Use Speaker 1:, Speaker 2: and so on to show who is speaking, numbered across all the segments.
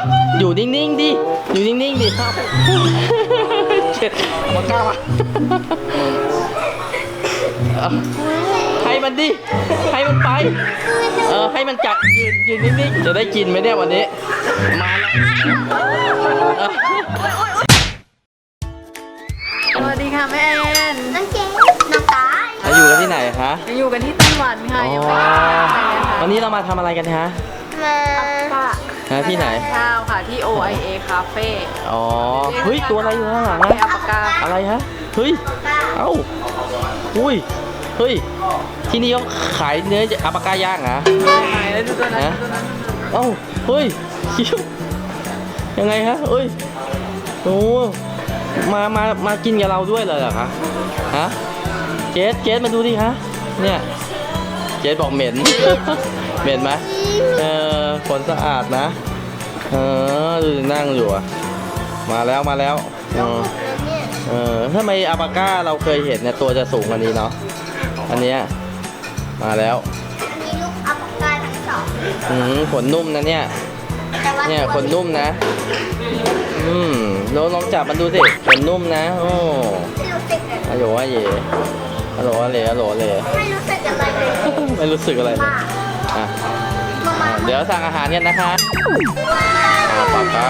Speaker 1: อยู่นิ่งๆดิอยู่นิ่งๆดิครับเจ็ดมากล้ามาให้มันดิให้มันไปให้มันจับยืนนิ่งๆจะได้กินไหมเนี่ยวันนี้มาแล้ว
Speaker 2: สวัสดีค่ะแม่แอน
Speaker 3: น้องเจนน้องตาย
Speaker 1: อยู่กันที่ไหนคะ
Speaker 2: ยังอยู่กันที่ไต้หวันค่ะยังไม่ได้ไปเลยค่ะ
Speaker 1: วันนี้เรามาทำอะไรกันคะ
Speaker 3: มา
Speaker 1: ที่ไหน
Speaker 2: ข้าวค่ะที่ OIA Cafe
Speaker 1: อ๋อเฮ้ยตัวอะไรอยู่ข้างหลัง
Speaker 2: ไม่
Speaker 1: นะ
Speaker 2: อัปปากา
Speaker 1: อะไรฮะเฮ้ยเอ้าอุ้ยเฮ้ยที่นี่เขาขายเนื้ออัปปากาย่างเหรอ
Speaker 2: ไหนแล้วดูตัวนั้น
Speaker 1: ฮะ
Speaker 2: ดูตัวนั้น
Speaker 1: เอ้าเฮ้ยคิวยังไงฮะเอ้ยโอ้มากินกับเราด้วยเลยเหรอคะฮะเจสมาดูดิคะเนี่ยเจสบอกเหม็น เหม็นไหมขนสะอาดนะดูนั่งอยู่อะมาแล้วทำไมอัปปาก้าเราเคยเห็นเนี่ยตัวจะสูงกว่านี้เนาะอันเนี้ยมาแล้ว
Speaker 3: อันนี้ลูกอัปปากาทั้งสอง
Speaker 1: ขนนุ่มนะเนี่ย
Speaker 3: แต่ว่า
Speaker 1: เนี่ยขนนุ่มนะลองจับมันดูสิขนนุ่มนะโอ้
Speaker 3: ไม่รู้สึกเลย
Speaker 1: ฮัลโหลอะเย่ฮัลโหลอะเลฮัลโหลอะเล
Speaker 3: ไม่รู้สึกอะไรเลย
Speaker 1: ไม่รู้สึกอะไรเลย
Speaker 3: มา
Speaker 1: อ่ะ
Speaker 3: มา
Speaker 1: เดี๋ยวสั่งอาหารกันนะคะอัปปาก้า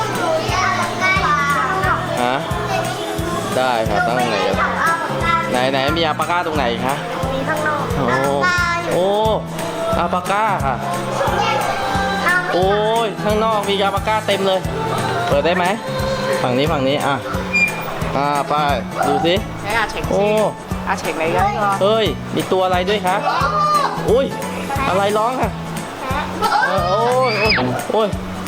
Speaker 1: ฮะได้ค่ะตั้งไหนกันไหนมีอัปปาก้าตรงไหนคะ
Speaker 3: มีข้างนอก
Speaker 1: โอ้อัปปาก้าค่ะโอ้ยข้างนอกมีอัปปาก้าเต็มเลยเปิดได้ไหมฝั่งนี้อ่ะไปดูสิ
Speaker 2: ใช้อาเช็ค
Speaker 1: โอ้
Speaker 2: อาเช็คอะไรกันก็
Speaker 1: เฮ้ยมีตัวอะไรด้วยคะอุ้ยอะไรร้องค่ะโอ้ย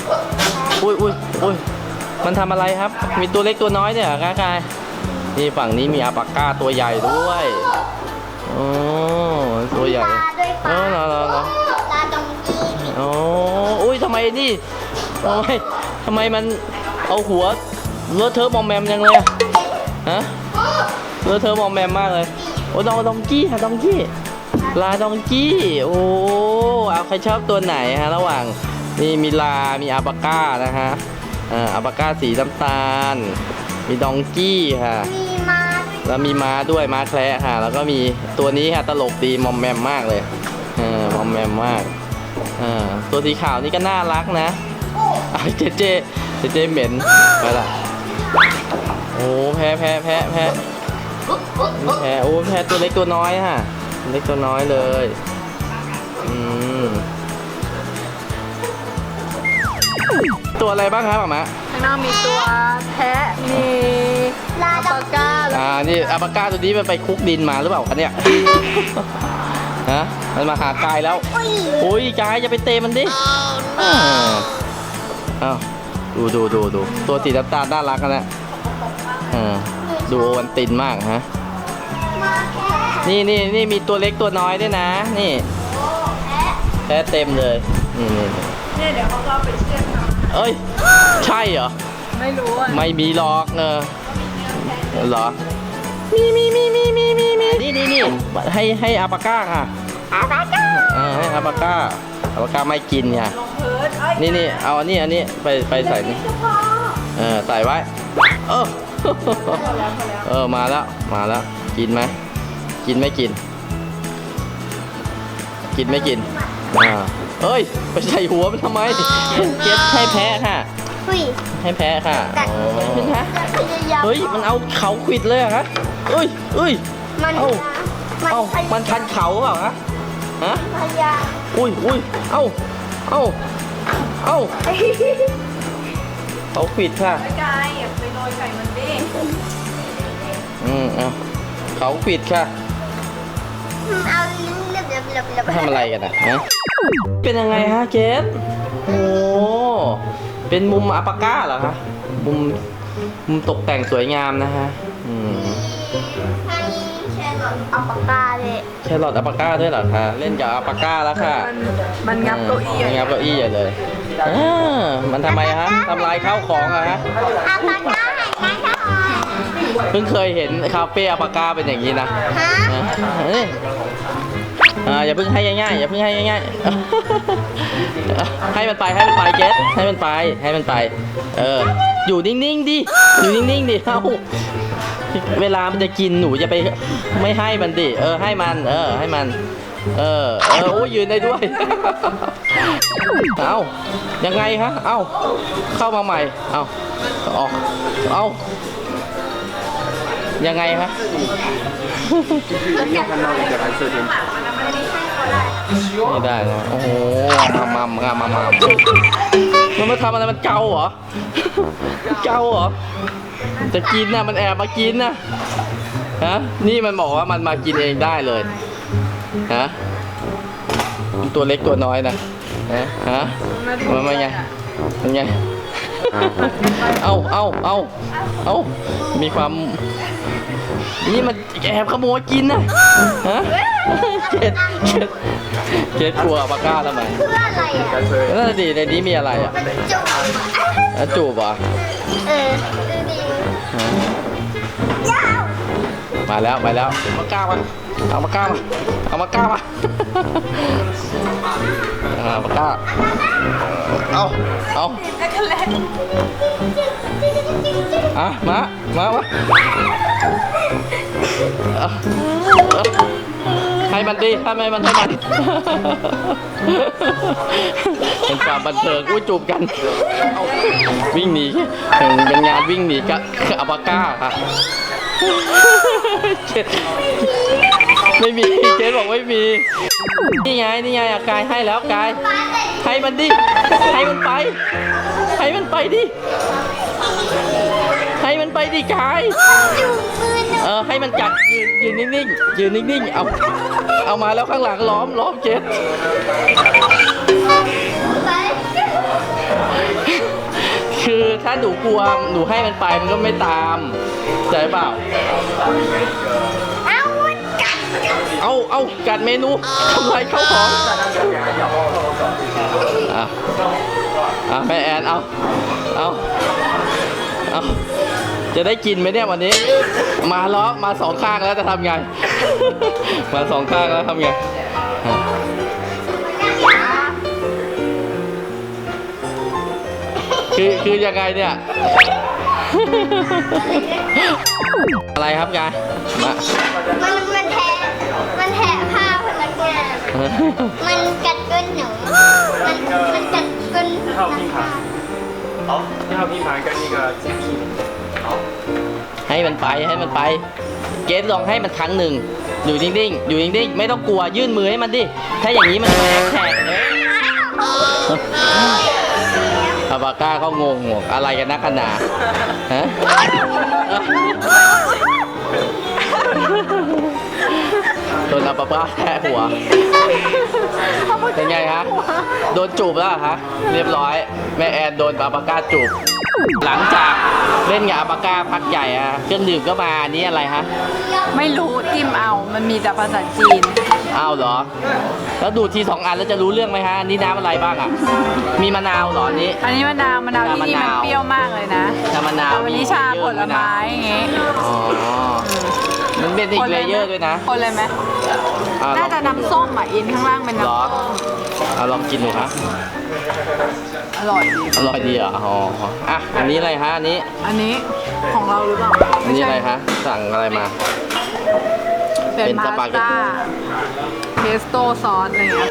Speaker 1: มันทำอะไรครับมีตัวเล็กตัวน้อยเนี่ยเหรอกายนี่ฝั่งนี้มีอัปปาก้าตัวใหญ่ด้วยโอ้ตัวใหญ่
Speaker 3: ด้วยปลา
Speaker 1: เหรอ
Speaker 3: ปลาตรงนี้
Speaker 1: โอ้อุ้ยทำไมนี่ทำไมมันเอาหัวเลอะเทอะมอมแมมจังเลยอะฮะเลอะเทอะมอมแมมมากเลยโอ้ดองกี้ค่ะดองกี้ลาดองกี้โอ้เอาใครชอบตัวไหนฮะระหว่างนี่มีลามีอัปปาก้านะฮะอัปปาก้าสีน้ำตาลมีดองกี้ค่ะ
Speaker 3: มีมาด้วย
Speaker 1: แล้วมีม้าด้วยม้าแคระค่ะแล้วก็มีตัวนี้ค่ะตลกดีมอมแมมมากเลยมอมแมมมากตัวสีขาวนี่ก็น่ารักนะเจเหม็นไปละโอ้แพ้โอ้แพ้ตัวเล็กตัวน้อยฮะเล็กตัวน้อยเลยตัวอะไรบ้างครับหมะ
Speaker 2: ข้างนอกมีตัวแพะมีอัปปากาแล้ว
Speaker 1: นี่อัปปาก้าตัวนี้มันไปคุกดินมาหรือเปล่าคะเนี่ยฮะมันมาหากายแล้วโอ้ยกายจะไปเตะมันดิอ้าวดูตัวสีน้ำตาลน่ารักนะดูโอวันตินมากฮะนี่มีตัวเล็กตัวน้อยด้วยนะนี่แพ้เต็มเลยนี่
Speaker 2: เนี่ยเดี๋ยวเขาก็ไปเชื่อมเขา
Speaker 1: เอ้ยใช่เหรอ
Speaker 2: ไม่รู้อ่ะ
Speaker 1: ไม่มีหรอกเหรอมีนี่ให้อัปปาก้าค่ะให้อัปปาก้าไม่กินค่ะ
Speaker 2: ลงพื้นเอ้ย
Speaker 1: นี่เอาอันนี้ไปใส่นี่ใส่ไว้มาแล้วกินไหมกินไม่กินไม่กินเอ้ยไปใส่หัวมันทำไมเก็บให้แพ้ค่ะ
Speaker 3: อุ้ย
Speaker 1: ให้แพ้ค่ะ
Speaker 3: กัด
Speaker 1: ขึ้นฮะ
Speaker 3: พยายาม
Speaker 1: เฮ้ยมันเอาเขาขวิดเลยเหรอฮะเอ้ย
Speaker 3: มัน
Speaker 1: มันคันเขาเปล่าฮะ
Speaker 3: พยายาม
Speaker 1: อุ้ยเอ้าเขาขวิดค่ะ
Speaker 2: ไก่อย่าไปโรยไก่มันดิ
Speaker 1: เอาเขาขวิดค่ะ
Speaker 3: เอาลิ้นเล็บ
Speaker 1: ทำอะไรกันอ่ะฮะเป็นยังไงฮะเจสโอ้เป็นมุมอัปปาก้าเหรอคะมุมตกแต่งสวยงามนะฮะ
Speaker 3: ให้แชร์หลอดอัปปากาเลย
Speaker 1: แครอทอัปปาก้าด้วยเหรอคะเล่นกับอัปปาก้าแล้วค่ะ
Speaker 2: มันงับเก้าอี้
Speaker 1: มันงับเก้าอี้ใหญ่เลยมันทำไมฮะทำลายข้าวของอะฮะ
Speaker 3: อัปปากาหายใจเข้า
Speaker 1: เพิ่งเคยเห็นคาเฟ่อัปปาก้าเป็นอย่างนี้นะ
Speaker 3: ฮะ
Speaker 1: เฮ้ยอย่าเพิ่งให้ง่ายๆอย่าเพิ่งให้ง่ายๆ ให้มันไปเกสให้มันไปอยู่นิ่งๆดิอยู่นิ่งๆดิเอ้าเวลามันจะกินหนูจะไปไม่ให้มันดิให้มันให้มันโอ้ยยืนได้ด้วย เอายังไงคะเอาเข้ามาใหม่เอาออกเอายังไงคะ ไม่ได้นะโอ้โหมามันมาทำอะไรมันเกาเหรอ เกาเหรอจะกินนะมันแอบมากินนะฮะนี่มันบอกว่ามันมากินเองได้เลยฮะตัวเล็กตัวน้อยนะฮะมันไงมันไงเอามีความนี่มันแอบขโมยกินนะฮะเจ็ดกลัวปากกาทำไม
Speaker 3: เพื่ออะไรอ่ะ
Speaker 1: นั่นสิในนี้มีอะไรอ่ะ
Speaker 3: มันจุ่ม
Speaker 1: จูบเหรอ
Speaker 3: ดูดิยาว
Speaker 1: มาแล้วปากกามาเอาปากกามาปากกาเอามาให้มันดิให้มันเป็นความบันเทิงอุ้ยจูบกันวิ่งหนีเป็นงานวิ่งหนีกับอัปาก้าค่ะไม่มีเจ๊บอกไม่มีนี่ไงกายให้แล้วกายให้มันดิให้มันไปดิให้มันไปดิกาย
Speaker 3: จุ่มมือหนู
Speaker 1: ให้มันกัดยืนนิ่งเอามาแล้วข้างหลังล้อมเจ็ด
Speaker 3: ไป
Speaker 1: คือถ้าหนูกลัวหนูให้มันไปมันก็ไม่ตามใจเปล่า
Speaker 3: เอามันกัด
Speaker 1: เอากัดเมนูทำลายข้าวของแม่แอนเอาจะได้กินไหมเนี่ยวันนี้มาสองข้างแล้วจะทำไง มาสองข้างแล้วทำไงคือยังไงเนี่ย อะไรครับยายมา
Speaker 3: มันแทะผ้าพนักงานมันกัดก้นหนูมันกัดก้นพนักงาน
Speaker 4: 一号拼盘跟那个鸡皮，好，
Speaker 1: ให้มันไปเกสลองให้มันครั้งหนึ่งอยู่นิ่งไม่ต้องกลัวยื่นมือให้มันดิถ้าอย่างนี้มันแทกอาบาก้าก็งงอะไรกันนักกันหนาฮะโดนอาบาก้าแทะหัวเป็นไงฮะโดนจูบแล้วฮะเรียบร้อยแม่แอนโดนอาบาก้าจูบหลังจากเล่นกับอาบาก้าพักใหญ่เครื่องดื่มก็มาอันนี้อะไรฮะ
Speaker 2: ไม่รู้จิ้มเอามันมีแต่ภาษาจีน
Speaker 1: อ้าวเหรอแล้วดูดที2 อันแล้วจะรู้เรื่องไหมฮะอันนี้น้ำอะไรบ้างอ่ะมีมะนาวเหรออันนี้
Speaker 2: อันนี้มะนาวที่นี่มันเปรี้ยวมากเลยนะ
Speaker 1: น้ำมะนาว
Speaker 2: วันนี้ชาผลไม้อย่างงี้
Speaker 1: อ๋อมันเป็นอีกเลเยอร์ด้วยนะ
Speaker 2: คนเลยไหมน่าจะน้ำส้มอินข้างล่างเป็น
Speaker 1: เหรอ
Speaker 2: น้ำส้ม
Speaker 1: เอาลองกินดูครับ
Speaker 2: อร่อยดี
Speaker 1: อร่อยดีเหรออ๋ออันนี้อะไรฮะอันนี้
Speaker 2: อันนี้ของเราหรือเปล่า
Speaker 1: อันนี้อะไรฮะสั่งอะไรมา
Speaker 2: เป็นพาสต้าเพสโต้ซอสอะไรเงี้ย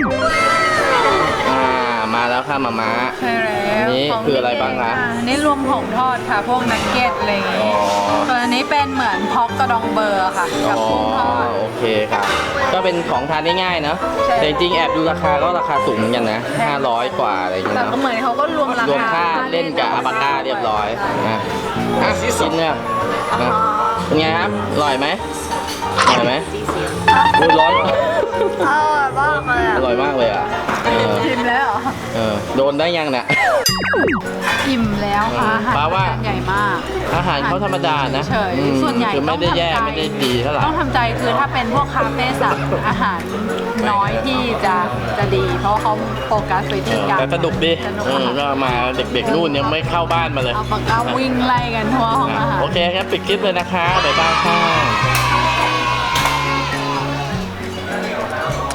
Speaker 1: มาแล้วค่ะมาม่า
Speaker 2: ใช่แล้ว
Speaker 1: อันนี้คืออะไรบ้างคะ
Speaker 2: อันนี้รวมของทอดค่ะพวกนักเก็ตอะไรอย่างงี้
Speaker 1: อ๋อ
Speaker 2: ส่วนอันนี้เป็นเหมือนพอกกระดองเบอร์ค่ะกับกุ้งทอด
Speaker 1: โอเคครับก็เป็นของทานได้ง่ายเนาะ
Speaker 2: ใช่
Speaker 1: แต่จริงๆแอบดูราคาก็ราคาสูงเหมือนกันนะ500 กว่าอะไรอย่างเงี้ย
Speaker 2: แต่ก็
Speaker 1: เนาะ
Speaker 2: เหมือนเขาก็รวมราร
Speaker 1: วม
Speaker 2: คา
Speaker 1: ค่าเล่นกับอาบาก้าเรียบร้อยนะกินเนี่ยเป็นไงครับอร่อยไหมอร่อยไหมอุ๊ยร้อน
Speaker 3: อร่อยมากเลยอ่ะ
Speaker 1: อร่อยมากเลยอ่ะ
Speaker 2: ชิมแล้วเหรอ
Speaker 1: โดนได้ยังเนี่ย
Speaker 2: อิ่มแล้วค่ะอาหาร
Speaker 1: ป้าว่า
Speaker 2: จานใหญ่มาก
Speaker 1: อาหารเขาธรรมดานะ
Speaker 2: เฉย
Speaker 1: อืม
Speaker 2: ส่วนใหญ่
Speaker 1: คือไม่ได้แย่
Speaker 2: ต้องทำใจ
Speaker 1: ไม่ได้ดีเท่าไหร่
Speaker 2: ต้องทำใจคือถ้าเป็นพวกคาเฟ่สัตว์อาหารน้อยที่จะดี เพราะเขาโฟกัสไปที่การ
Speaker 1: แต่สนุกดี
Speaker 2: สนุก
Speaker 1: ก็มาเด็กๆนู่นยังไม่เข้าบ้านมาเลย
Speaker 2: เอาปากกาวิ่งไล่กันทั่วห้องอาหาร
Speaker 1: โอเคครับปิดคลิปเลยนะคะบ๊ายบายค่ะ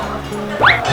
Speaker 1: อ